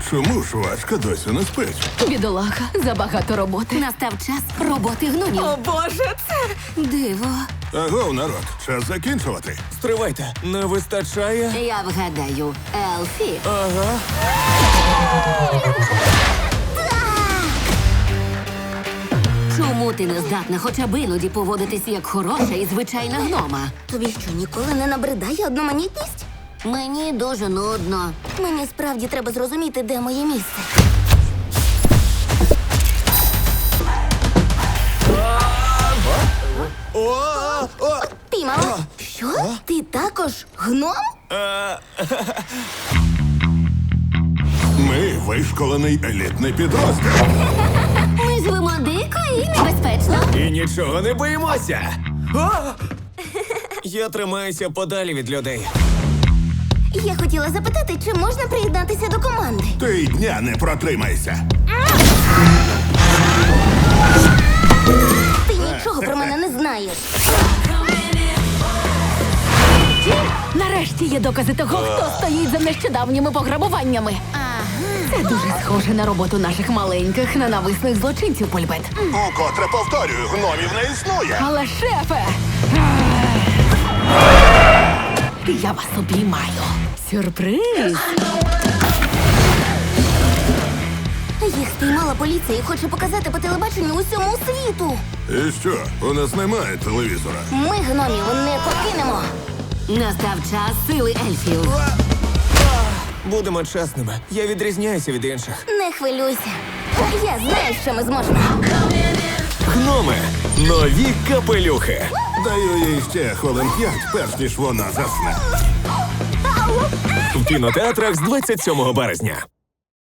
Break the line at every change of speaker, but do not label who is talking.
Чому ж Важка досі не спить?
Бідолаха, забагато роботи.
Настав час роботи гномів.
О, Боже, це...
Диво.
Агов, народ, час закінчувати.
Стривайте, не вистачає.
Я вгадаю, Елфі.
Ага.
Чому ти не здатна хоча б іноді поводитись як хороша і звичайна гнома?
Тобі що, ніколи не набридає одноманітність?
Мені дуже нудно.
Мені справді треба зрозуміти, де моє місце. Піймала? Що? Ти також гном?
Ми вишколений елітний підрозділ.
Ми живемо дико і небезпечно.
І нічого не боїмося. А! Я тримаюся подалі від людей.
Я хотіла запитати, чи можна приєднатися до команди.
Ти й дня не протримайся.
Ти нічого про мене не знаєш.
Нарешті є докази того, хто стоїть за нещодавніми пограбуваннями. Це дуже схоже на роботу наших маленьких ненависних злочинців, Польбет.
Укотре повторюю, гномів не існує.
Але, шефе! Я вас обіймаю. Сюрприз!
Їх спіймала поліція і хоче показати по телебаченню усьому світу.
І що, у нас немає телевізора?
Ми гномів не покинемо.
Настав час сили ельфів.
Будемо чесними. Я відрізняюся від інших.
Не хвилюйся. Я знаю, що ми зможемо.
Гноми. Нові капелюхи.
Даю їй ще хвилин 5, перш ніж вона засне.
В кінотеатрах з 27 березня.